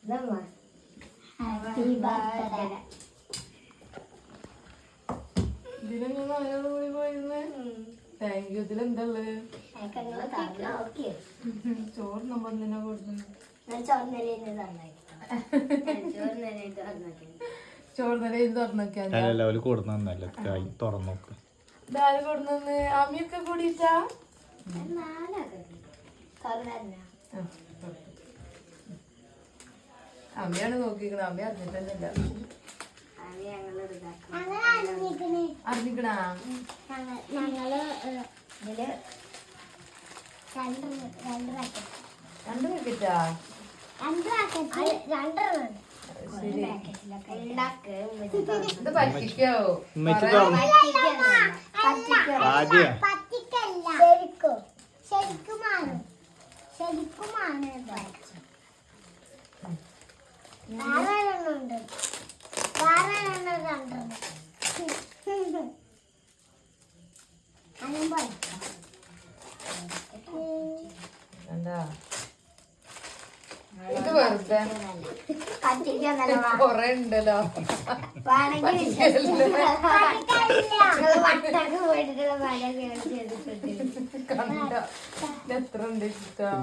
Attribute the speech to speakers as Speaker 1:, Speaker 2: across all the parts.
Speaker 1: Thank you. ഇതിലെന്തള്ളു ചോറ് നമ്മൾ എന്തിനാ കൊടുക്കുന്നത്? ചോറ് നില ഇത് തുറന്നോക്കിയാൽ ഇതാര് കൊടുന്നു? അമ്മിയൊക്കെ കൂടിയിട്ടാ അമ്മയാണ് നോക്കിക്കണ. അമ്മ അറിഞ്ഞിട്ടൊന്നുമില്ല. അറിഞ്ഞിക്കണാ? രണ്ട് പാക്കറ്റാ? ഇത് പറ്റിക്കോ?
Speaker 2: ശരിക്കുമാണ്
Speaker 1: എന്താ ഇത് വെറുതെ കൊറേ ഉണ്ടല്ലോ. എത്ര ഉണ്ട് ഇഷ്ടം?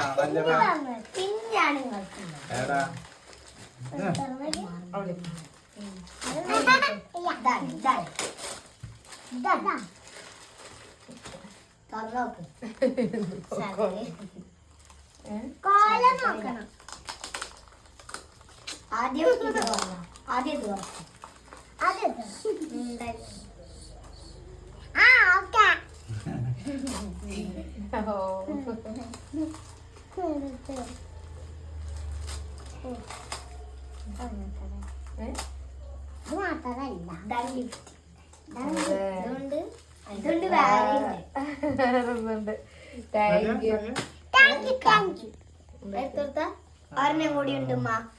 Speaker 2: ഒരെണ്ണം കൂടി ഉണ്ട്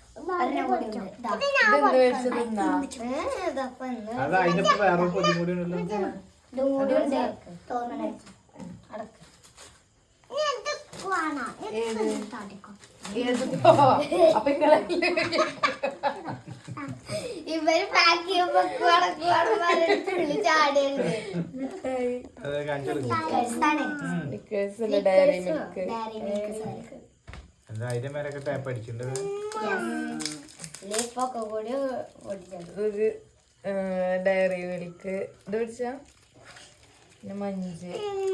Speaker 2: ഇവര് പാക്ക് ചെയ്യുമ്പോ
Speaker 1: ഡയറി മിൽക്ക് ഒരു ഡയറി മിൽക്ക് ഇത് പിടിച്ചാ പിന്നെ മഞ്ച്.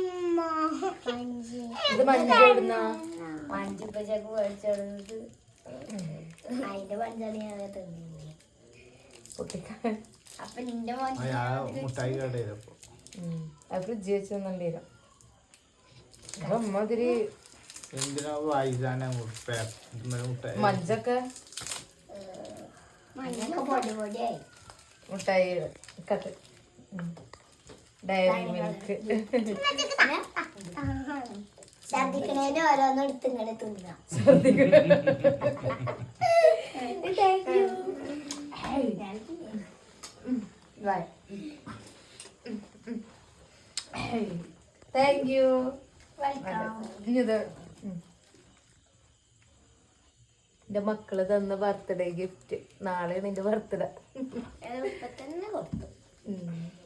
Speaker 1: ഇത് മഞ്ച് എവിടുന്നാ?
Speaker 2: മഞ്ച് പച്ചക്ക് മേടിച്ചത് അതിന്റെ പഞ്ചാണ് ഞാൻ തിന്നില്ലേ. അപ്പൊ നിന്റെ
Speaker 1: ഫ്രിഡ്ജ് വെച്ചൊന്നുണ്ടേരും. അമ്മതിരി മഞ്ചൊക്കെ
Speaker 2: പൊടിയായി
Speaker 1: മുട്ടായി കട്ട് ഡയറി മിൽക്ക്
Speaker 2: ഛർദിക്കണേന്റെ ഓരോന്നും എടുത്ത് ഇങ്ങനെ തിന്നാം.
Speaker 1: Thank you. എന്റെ മക്കള് തന്ന ബർത്ത്ഡേ ഗിഫ്റ്റ്. നാളെയാണ് എന്റെ ബർത്ത്ഡേ.
Speaker 2: തന്നെ കൊടുത്തു.